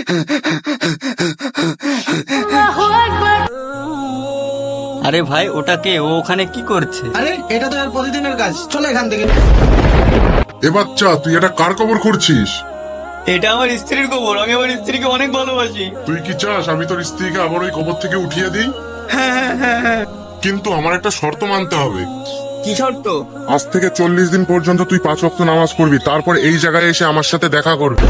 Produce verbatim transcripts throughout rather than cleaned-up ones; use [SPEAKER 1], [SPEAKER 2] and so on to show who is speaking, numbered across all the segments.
[SPEAKER 1] আরে ভাই, ওটা কে? ও ওখানে কি করছে?
[SPEAKER 2] আরে এটা তো আর প্রতিদিনের কাজ, চলো এখান থেকে।
[SPEAKER 3] এ বাচ্চা, তুই এটা কার কবর করছিস?
[SPEAKER 1] এটা আমার স্ত্রীর কবর। আমি আমার স্ত্রীকে অনেক ভালোবাসি।
[SPEAKER 3] তুই কি চাস আমি তোর স্ত্রীকে আবার ওই কবর থেকে উঠিয়ে দিই? কিন্তু আমার একটা শর্ত মানতে হবে।
[SPEAKER 1] কি শর্ত?
[SPEAKER 3] আজ থেকে চল্লিশ দিন পর্যন্ত তুই পাঁচ ওয়াক্ত নামাজ পড়বি, তারপর এই জায়গায় এসে আমার সাথে দেখা করবি।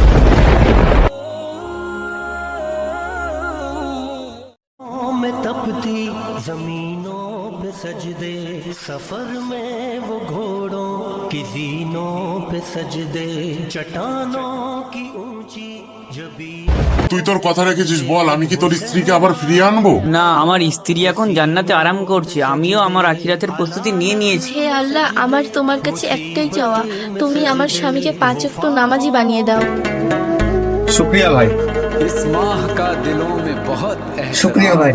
[SPEAKER 4] में तपती जमीनों पे सजदे, सफर में वो घोड़ों की जीनों पे सजदे, चट्टानों की ऊंची जबी।
[SPEAKER 3] তুই তোর কথা রেখেছিস, বল আমি কি তোর স্ত্রীকে আবার ফিরিয়ে আনবো?
[SPEAKER 1] না, আমার স্ত্রী এখন জান্নাতে আরাম করছে। আমিও আমার আখিরাতের প্রস্তুতি নিয়ে নিয়েছি।
[SPEAKER 5] হে আল্লাহ, আমার তোমার কাছে একটাই চাওয়া, তুমি আমার স্বামীকে পাঁচ ওয়াক্ত নামাজি বানিয়ে দাও।
[SPEAKER 6] शुक्रिया भाई।
[SPEAKER 7] इस माह का दिलों में बहुत
[SPEAKER 6] शुक्रिया भाई।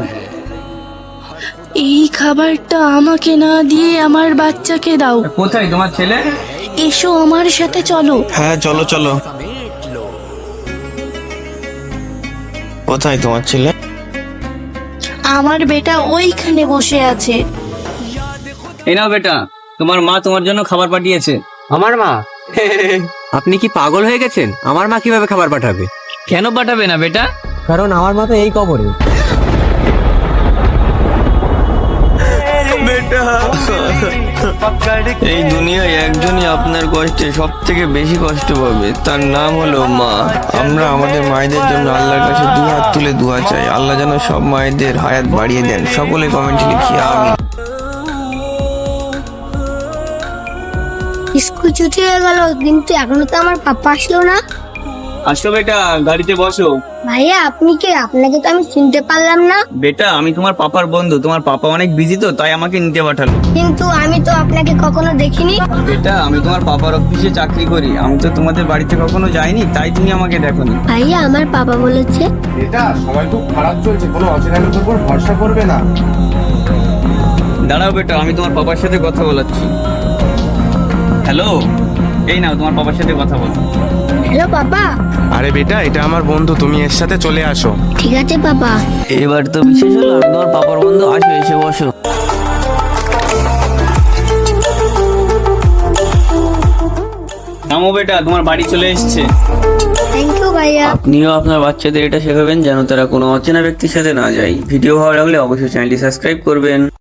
[SPEAKER 5] এই খাবারটা আমাকে না দিয়ে আমার বাচ্চাকে দাও।
[SPEAKER 1] কোথায় তোমার ছেলে?
[SPEAKER 5] এসো আমার সাথে চলো।
[SPEAKER 6] হ্যাঁ চলো চলো। কোথায় তোমার ছেলে?
[SPEAKER 5] আমার বেটা ওইখানে বসে আছে।
[SPEAKER 1] এই নাও বেটা, তোমার মা তোমার জন্য খাবার পাঠিয়েছে।
[SPEAKER 8] আমার মা? আপনি কি পাগল হয়ে গেছেন? আমার মা কিভাবে খাবার পাঠাবে?
[SPEAKER 1] কেন পাঠাবে না বেটা?
[SPEAKER 8] কারণ আমার মা তো এই কবরে।
[SPEAKER 6] বেটা, এই দুনিয়ায় একজনই আপনার কষ্টে সব থেকে বেশি কষ্ট পাবে, তার নাম হলো মা। আমরা আমাদের মায়েদের জন্য আল্লাহর কাছে দু হাত তুলে দোয়া চাই, আল্লাহ যেন সব মায়েদের হায়াত বাড়িয়ে দেন। সকলে কমেন্টে লিখি আমিন।
[SPEAKER 9] স্কুল ছুটি হয়ে গেল, কিন্তু এখনো তো আমার পাপা আসলো না।
[SPEAKER 1] আসো বেটা, গাড়িতে বসো।
[SPEAKER 9] ভাইয়া আপনি কে? আপনাকে তো আমি চিনতে পারলাম না।
[SPEAKER 1] বেটা, আমি তোমার পাপার বন্ধু। তোমার পাপা অনেক বিজি তো, তাই আমাকে নিতে পাঠালো।
[SPEAKER 9] কিন্তু আমি তো আপনাকে কখনো দেখিনি।
[SPEAKER 1] বেটা, আমি তোমার পাপার অফিসে চাকরি করি। আমি তো তোমাদের বাড়িতে কখনো যাইনি, তাই তুমি আমাকে দেখোনি।
[SPEAKER 9] ভাইয়া আমার বাবা বলেছে
[SPEAKER 2] এটা সবাই খুব খারাপ চলছে, কোনো অচেনা লোকের উপর ভরসা করবে না।
[SPEAKER 1] দাঁড়াও বেটা, আমি তোমার পাপার সাথে কথা বলাচ্ছি। হ্যালো, এই নাও তোমার পাপার সাথে কথা বলো।
[SPEAKER 9] হ্যালো বাবা।
[SPEAKER 6] আরে বেটা, এটা আমার বন্ধু, তুমি এর সাথে চলে আসো।
[SPEAKER 9] ঠিক আছে বাবা।
[SPEAKER 1] এবার তো বিশেষ হলো, আমি তোমার পাপার বন্ধু। আসো, এসে বসো। নামো বেটা, তোমার বাড়ি চলে এসছে।
[SPEAKER 9] থ্যাংক ইউ ভাইয়া।
[SPEAKER 1] আপনিও আপনার বাচ্চাদের এটা শেখাবেন যেন তারা কোনো অচেনা ব্যক্তির সাথে না যায়। ভিডিও ভালো লাগলে অবশ্যই চ্যানেলটি সাবস্ক্রাইব করবেন।